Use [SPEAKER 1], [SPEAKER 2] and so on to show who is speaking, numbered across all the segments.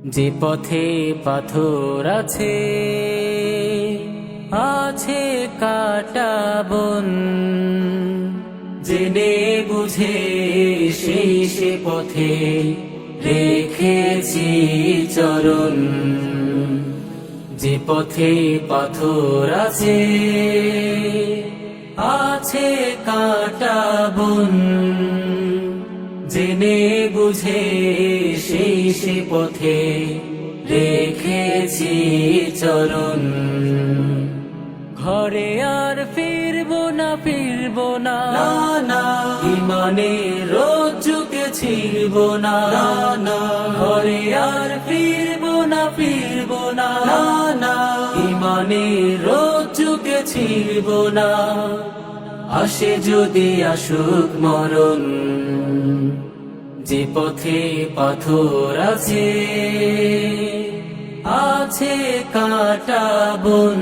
[SPEAKER 1] যে পথে পাথর আছে, আছে কাটা বন, জেনে বুঝে সেই সে পথে রেখেছি চরণ। যে পথে পাথর আছে, আছে কাটা বন, জেনে বুঝে সেই সে পথে রেখেছি চরণ। ঘরে আর ফিরবো না, ফিরবো না, না, ইমানের রজ্জুকে ছিড়বো না, না, ঘরে আর ফিরবো না, ফিরবো না, না, ইমানের রজ্জুকে ছিড়বো না। আসে যদি আসুক মরণ, যে পথে পাথর আছে, আছে কাটা বন,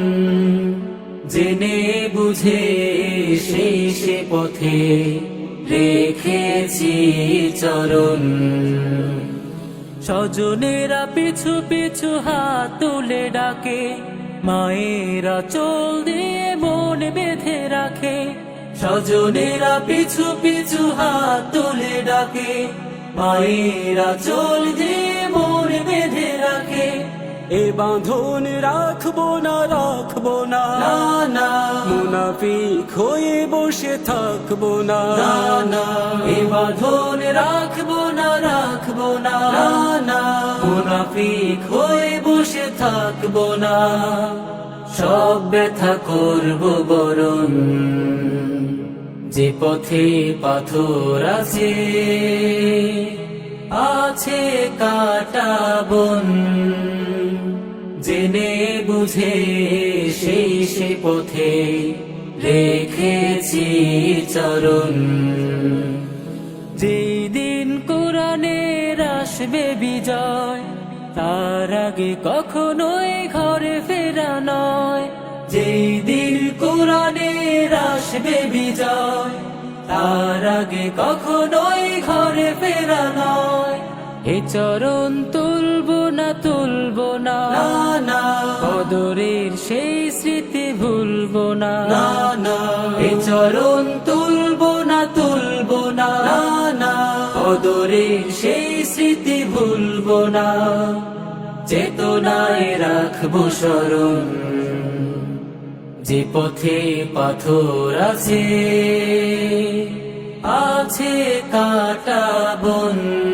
[SPEAKER 1] জেনে বুঝে সেই সে পথে রেখেছি চরণ। স্বজনেরা পিছু পিছু হাত তুলে ডাকে, মায়েরা চোল দিয়ে মন বেঁধে রাখে। স্বজনেরা পিছু পিছু হাত তুলে ডাকে, মায়েরা চোল দিয়ে মন বেঁধে রাখে।
[SPEAKER 2] এ বাঁধন রাখবো না, রাখবো না,
[SPEAKER 1] না,
[SPEAKER 2] মুনাফিক হয়ে বসে থাকবো না,
[SPEAKER 1] না, এ বাঁধন রাখবো না, রাখবো না, না, মুনাফিক হয়ে বসে থাকবো না। সব ব্যথা করবো বরণ, যে পথে পাথর আছে, আছে কাটা বন, জেনে বুঝে সেই সে পথে রেখেছি চরণ। যেই দিন কোরআনের আসবে বিজয়, তার আগে কখনোই ঘরে ফেরা নয়। যেই দিন কোরআনের আসবে বিজয়, তার আগে কখনোই ঘরে ফেরা নয়। এ চরণ তুলবো না, তুলবো না, না, বদরের সেই স্মৃতি ভুলবো না, না, এ চরণ তুলবো না, তুলবো না, না, বদরের সেই স্মৃতি ভুলবো না। চেতনায় রাখবো স্মরণ, যে পথে পাথর আছে, আছে কাটা বন,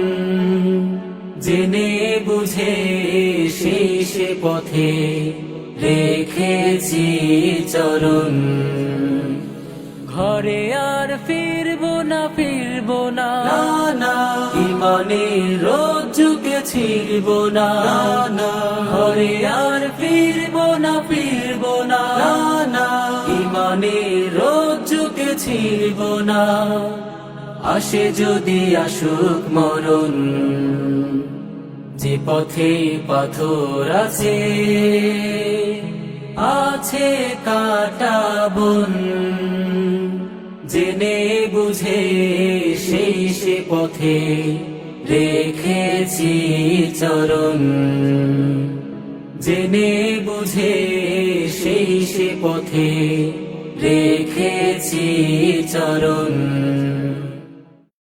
[SPEAKER 1] জেনে বুঝে সেই সে পথে রেখেছি চরণ। ঘরে আর ফিরবো না, ফিরবো না, না, ইমানের রজ্জুকে ছিড়বো না, না, ঘরে আর ফিরবো না, ফিরবো না, না, ইমানের রজ্জুকে ছিড়বো না। আসে যদি আসুক মরণ, যে পথে পাথর আছে, আছে কাটা বন, জেনে বুঝে সেই সে পথে রেখেছি চরণ। জেনে বুঝে সেই সে পথে রেখেছি চরণ।